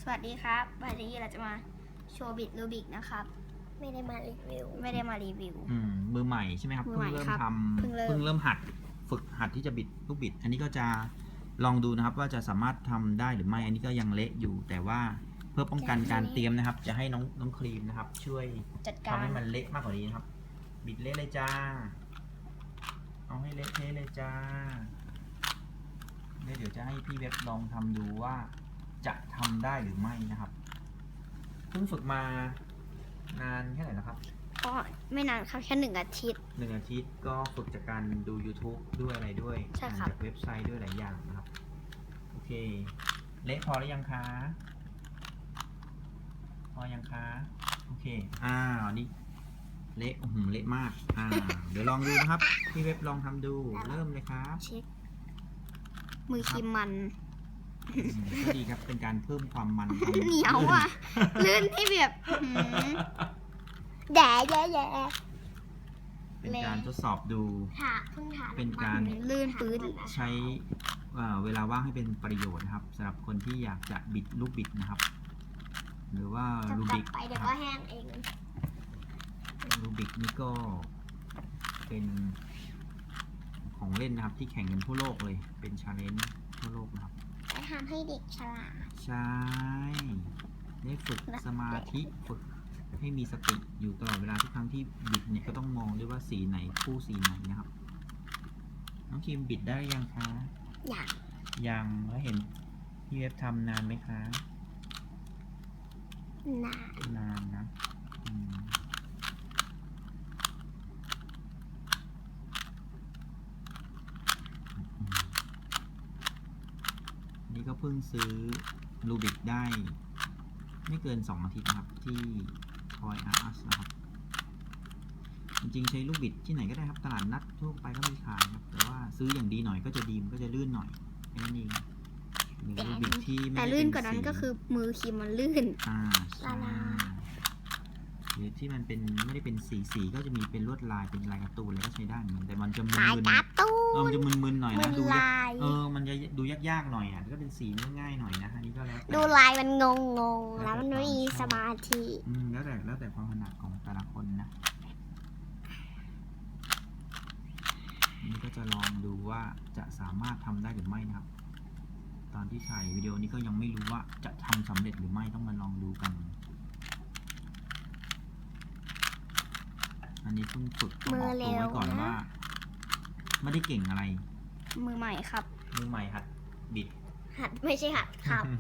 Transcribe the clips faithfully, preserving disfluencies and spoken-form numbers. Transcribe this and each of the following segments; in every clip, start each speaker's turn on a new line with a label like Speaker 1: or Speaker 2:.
Speaker 1: สวัสดีครับวันนี้เราจะมาโชว์บิดรูบิกนะครับ
Speaker 2: ไม่ได้มารีวิว
Speaker 1: ไม่ได้มารีวิว
Speaker 3: อืมมือใหม่ใช่ไหมครับ
Speaker 1: มือใหม่
Speaker 3: เพิ่งเริ่ม
Speaker 1: ครับ
Speaker 3: ทำ
Speaker 1: เพิ่งเริ่ม
Speaker 3: เพิ่งเริ่มหัดฝึกหัดที่จะบิดลูกบิด อันนี้ก็จะลองดูนะครับว่าจะสามารถทำได้หรือไม่ อันนี้ก็ยังเละอยู่ แต่ว่าเพื่อป้องกันการเตรียมนะครับ จะให้น้องน้องครีมนะครับ ช่วย
Speaker 1: จัดการ
Speaker 3: ทำให้มันเละมากกว่านี้นะครับ บิดเละเลยจ้า เอาให้เละเทะเลยจ้าเดี๋ยวจะให้พี่เว็บลองทำดูว่าจะทำได้หรือไม่นะครับเพิ่งฝึกมานานแค่ไหนแล้วครับ
Speaker 1: ก็ไม่นานครับแค่หนึ่งอาทิตย์
Speaker 3: หนึ่งอาทิตย์ก็ฝึกจากการดู YouTube ด้วยอะไรด้วย
Speaker 1: ใช่ครับ
Speaker 3: จากเว็บไซต์ด้วยหลายอย่างนะครับ โอเค เละพอหรือยังคะ พอยังคะ โอเค อ้าวนี่เละหืมเละมาก อ่า เดี๋ยวลองดูนะครับ พี่เว็บลองทำดู เริ่มเลยครับ
Speaker 1: เช็คมือครีมมัน
Speaker 3: อืมก็ดีครับ เป็นการเพิ่มความมันความ
Speaker 1: เหนียวอ่ะ ลื่นที่แบบหืม
Speaker 2: แด่แย่แย่
Speaker 3: เป็นการทดสอบดู
Speaker 2: ถ่าเพิ่งถ่า
Speaker 3: เป็นการ
Speaker 1: ลื่นปื้น
Speaker 3: ใช้อ่าเวลาว่างให้เป็นประโยชน์นะครับสำหรับคนที่อยากจะบิดลูกบิดนะครับ หรือว่า
Speaker 2: จะ
Speaker 3: ลู
Speaker 2: กลั
Speaker 3: บิ
Speaker 2: บ
Speaker 3: ก
Speaker 2: ไปเดี๋ยว
Speaker 3: ค
Speaker 2: ก็
Speaker 3: รับ
Speaker 2: แห้งเอง
Speaker 3: ลูบิกนี่ก็เป็นของเล่นนะครับที่แข่งกันทั่วโลกเลย เป็นชาเลนจ์ทั่วโลกนะครับ
Speaker 2: จะทำให้เด็กฉลาด
Speaker 3: ใช่ได้ฝึกสมาธิฝึกให้มีสติอยู่ตลอดเวลาทุกครั้งที่บิดเนี่ยก็ต้องมองด้วยว่าสีไหนคู่สีไหนนะครับน้องคิมบิดได้ยังคะ
Speaker 2: อยาก
Speaker 3: ยังแล้วเห็นพี่เว็บทำนานไหมคะ
Speaker 2: นาน
Speaker 3: นานนะอืมนี่ก็เพิ่งซื้อลูบิกได้ ไม่เกินสองอาทิตย์นะครับ ที่ Toy R Us นะครับ จริงๆใช้ลูกบิดที่ไหนก็ได้ครับ ตลาดนัดทั่วไปก็มีขายครับ แต่ว่าซื้ออย่างดีหน่อยก็จะดีมันก็จะลื่นหน่อยแค่นั้นเองหรือลูกบิดที่ไม่
Speaker 1: แต่
Speaker 3: ได้
Speaker 1: ลื่น
Speaker 3: เป็
Speaker 1: กว่านั้น
Speaker 3: สี
Speaker 1: ก็คือมือครีมมันลื่น
Speaker 3: อ่าใช่หรือที่มันเป็นไม่ได้เป็นสีสีก็จะมีเป็นลวดลายเป็นลายการ์ตูนอะไรก็ใช้ได้เหมือนกันแต่มันจะมึ
Speaker 2: ขาย
Speaker 3: น
Speaker 2: การ์ตู
Speaker 3: ๆเออน มันจะมึนๆหน่อย
Speaker 2: มั
Speaker 3: นะ
Speaker 2: น
Speaker 3: ดูยาก
Speaker 2: ลาย
Speaker 3: เออมันจะดูยากๆหน่อยอ่ะก็เป็นสีง่ายๆหน่อยนะอันนี้ก็แล้วแต่
Speaker 2: ดูลายมันงงงงๆแล้วมันไม่มีสมาธิ
Speaker 3: อืมแล้วแต่แล้วแต่ความถนัดของแต่ละคนนะอันนี้ก็จะลองดูว่าจะสามารถทำได้หรือไม่นะครับ ตอนที่ถ่ายวิดีโอนี้ก็ยังไม่รู้ว่าจะทำสำเร็จหรือไม่ต้องมาลองดูกัน อันนี้เพิ่งฝึกต้องออกตัวไว้ก่อนว่า ไม่ได้เก่งอะไร
Speaker 1: มือใหม่ครับ
Speaker 3: มือใหม่หัดบิด
Speaker 2: หัดไม่ใช่หัดขับ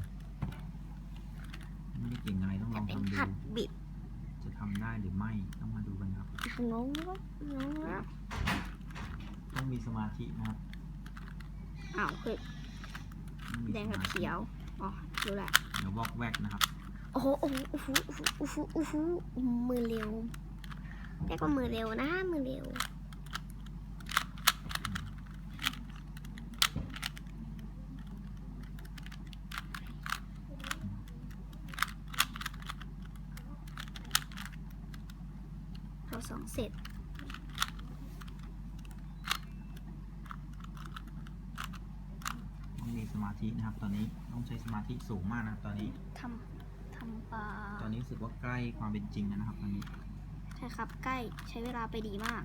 Speaker 3: ไม่ได้เก่งอะไรต้องล
Speaker 2: แต่
Speaker 3: อง
Speaker 2: เป็น
Speaker 3: ทำดู
Speaker 2: หัดบิด
Speaker 3: จะทำได้หรือไม่ต้องมาดูกันครับ
Speaker 2: งงงง
Speaker 3: ต้องมีสมาธินะครับ
Speaker 1: อ้าวคือ
Speaker 3: ต้องมี
Speaker 1: แดง
Speaker 3: ส
Speaker 1: กับ
Speaker 3: มาธิ
Speaker 1: เขียว อ๋อรู้แหละ
Speaker 3: เดี๋ยววอกแวกนะครับ
Speaker 2: โอ้โหโอ้โหโอ้โหโอ้โหโอ้โหมือเร็วเรียกว่ามือเร็วนะมือเร็ว
Speaker 1: เราสองเสร็จ
Speaker 3: ต้องมีสมาธินะครับ ตอนนี้ต้องใช้สมาธิสูงมากนะครับ ตอนนี้
Speaker 1: ทำทำปลา
Speaker 3: ตอนนี้รู้สึกว่าใกล้ความเป็นจริงแล้วนะครับ ตอนนี้
Speaker 1: ใช่ครับ ใกล้ใช้เวลาไปดีมาก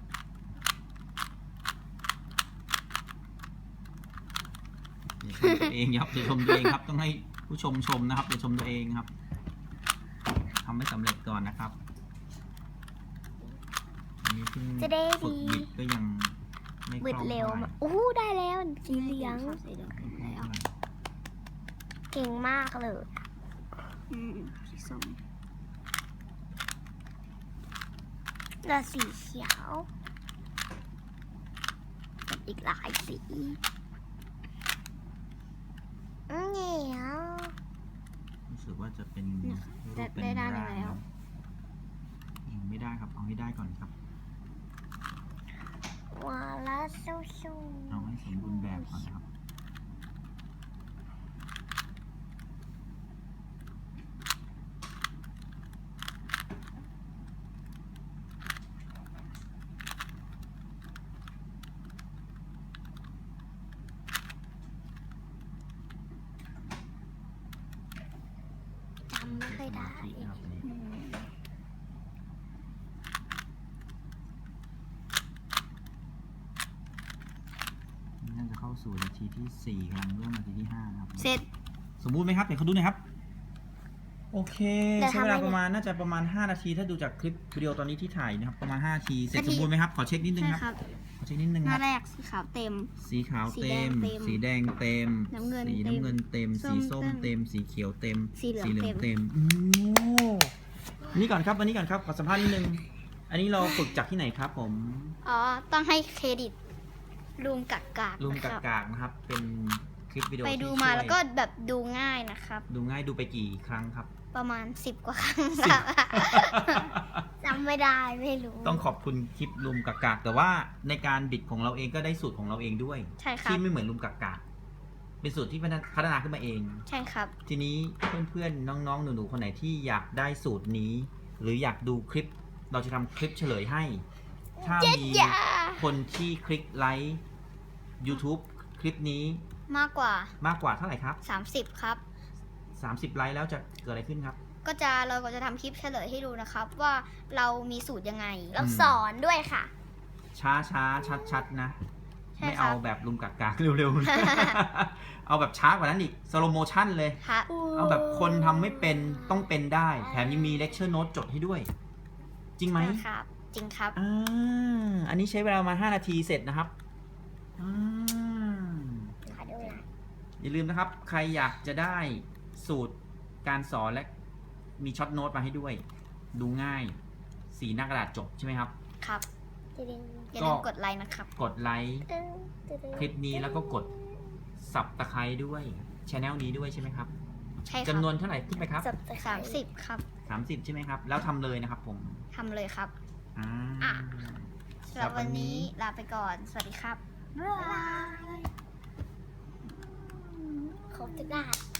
Speaker 3: อย่าชมตัวเองครับอย่าชมตัวเองครับ ต้องให้ผู้ชมชมนะครับอย่าชมตัวเองครับทำให้สำเร็จก่อนนะครับอันนี้เพิ่ง
Speaker 2: จะได้
Speaker 3: ฝึก
Speaker 2: ดี
Speaker 3: บิดก็ยังไม่ค
Speaker 2: บิด
Speaker 3: ล่อง
Speaker 2: เร็ว
Speaker 3: เท่าไหร่
Speaker 2: มากโอ้โหได้แล้วสีเหลือง
Speaker 1: สีเหลืองเห็นแล้ว
Speaker 2: เก่งมากเลย
Speaker 1: อืมสีส้ม
Speaker 2: แล้วสีเขียวกับอีกหลายสีเหนียว
Speaker 3: รู้สึกว่าจะเป็น
Speaker 1: ได้
Speaker 3: รูปเป็น
Speaker 1: ได้ด้านหนึ่ง
Speaker 3: ร่าง
Speaker 1: แล้ว
Speaker 3: ยังไม่ได้ครับเอาให้ได้ก่อนครับ
Speaker 2: วาละสู้สู้
Speaker 3: เอาให้สมบูรณ์แบบก่อนนะครับมาธินะครับอันนี้
Speaker 1: อืม
Speaker 3: น่าจะเข้าสู่นาทีที่สี่กำลังเริ่มนาทีที่ห้านะครับ
Speaker 1: เสร็จ
Speaker 3: สมบูรณ์ไหมครับเดี๋ยวเขาดูหน่อยครับ โอเค
Speaker 2: เดี๋ยว
Speaker 3: ใช้เวลา
Speaker 2: ทำอะไร
Speaker 3: ประมาณน่าจะประมาณห้านาทีถ้าดูจากคลิปวิดีโอตอนนี้ที่ถ่ายนะครับประมาณห้านาทีเสร็จสมบูรณ์ไหมครับขอเช็คนิดนึง
Speaker 1: ใช่
Speaker 3: ครับ
Speaker 1: ครับ
Speaker 3: ขอเช็คนิดนึง
Speaker 1: ห
Speaker 3: ค
Speaker 1: น้า
Speaker 3: รับ
Speaker 1: แรกสีขาวเต็ม
Speaker 3: สีขาว
Speaker 1: สี
Speaker 3: เต็
Speaker 1: แดง
Speaker 3: ม
Speaker 1: เต็ม
Speaker 3: สีแดงเต็ม
Speaker 1: น้ำเงิน
Speaker 3: สี
Speaker 1: เต็ม
Speaker 3: น้ำเงินเต็ม
Speaker 1: ส้
Speaker 3: สี
Speaker 1: ม
Speaker 3: ส้ม
Speaker 1: เต็
Speaker 3: เต็ม
Speaker 1: ม
Speaker 3: สีเขียวเต็ม
Speaker 1: สีเหลืองเต็ม
Speaker 3: เต็มโอ้นี่ก่อนครับอันนี้ก่อนครับขอสัมภาษณ์นิดนึงอันนี้เราฝึกจากที่ไหนครับผม
Speaker 1: อ๋อ ต้องให้เครดิตลุงกักกาก
Speaker 3: ลุง
Speaker 1: นะค
Speaker 3: กา
Speaker 1: รับ
Speaker 3: กากนะครับเป็นคลิปวิดีโอ
Speaker 1: ไป
Speaker 3: ที่
Speaker 1: ดู
Speaker 3: ช่
Speaker 1: มา
Speaker 3: วย
Speaker 1: แล้วก็แบบดูง่ายนะครับ
Speaker 3: ดูง่ายดูไปกี่ครั้งครับ
Speaker 1: ประมาณสิบกว่าครั้ง
Speaker 3: สิบ
Speaker 1: ครับ
Speaker 2: จำไม่ได้ไม่รู้
Speaker 3: ต้องขอบคุณคลิปลุมกากากแต่ว่าในการบิดของเราเองก็ได้สูตรของเราเองด้วย
Speaker 1: ใช่ครับ
Speaker 3: ที่ไม่เหมือนลุมกากากเป็นสูตรที่พัฒนาขึ้นมาเอง
Speaker 1: ใช่ครับ
Speaker 3: ทีนี้เพื่อนๆน้องๆหนูๆคนไหนที่อยากได้สูตรนี้ หรืออยากดูคลิปเราจะทำคลิปเฉลยให้ ถ้ามี
Speaker 2: อย่า
Speaker 3: คนที่คลิกไลค์ YouTube คลิปนี้
Speaker 1: มากกว่าม
Speaker 3: ากกว่าเท่าไหร่ครับ
Speaker 1: สามสิบครับ
Speaker 3: สามสิบไลค์แล้วจะเกิดอะไรขึ้นครับ
Speaker 1: ก็จะเราก็จะทำคลิปเฉลยให้ดูนะครับ ว่าเรามีสูตรยังไง
Speaker 2: เราสอนด้วยค่ะ
Speaker 3: ช้าช้าชัดชัดๆนะ
Speaker 1: ใช่
Speaker 3: ไม่
Speaker 1: ครั
Speaker 3: เอา
Speaker 1: บ
Speaker 3: แบบลุมกากากเร็วๆ เอาแบบช้ากว่านั้นอีกสโลโมชั่นเลย
Speaker 1: ครับ
Speaker 3: เอาแบบคนทำไม่เป็นต้องเป็นได้ แถมยังมีเลคเชอร์โน้ตจดให้ด้วย จริงไหม
Speaker 1: ครับ จริงครับ
Speaker 3: อ่าอันนี้ใช้เวลามาห้านาทีเสร็จนะครับอ่า
Speaker 2: ขอดูนะ
Speaker 3: อย่าลืมนะครับ ใครอยากจะได้สูตรการสอนและมีช็อตโน้ตมาให้ด้วย ดูง่าย สีหน้ากระดาษจบใช่ไหมครับ
Speaker 1: ครับ
Speaker 2: ตึ๊ด
Speaker 1: อย่าลืมกดไลค์นะครับ
Speaker 3: กดไลค์
Speaker 2: ตึ๊ดตึ๊ด
Speaker 3: คลิปนี้แล้วก็กดสับตะไคร้ด้วยช anel นี้ด้วยใช่ไหมครับ
Speaker 1: ใช่ครั
Speaker 3: จำนวนเท่าไหร่ขึ้นไปครับ
Speaker 2: สับตะไคร้
Speaker 1: สามสิบครับ
Speaker 3: สามสิบใช่ไหมครับ แล้วทำเลยนะครับผม
Speaker 1: ทำเลยครับ
Speaker 3: อ่า
Speaker 2: อ่ะ
Speaker 1: สำหรับวันนี้ลาไปก่อน สวัสดีครับ
Speaker 2: บ๊ายบายครบทุกด้าน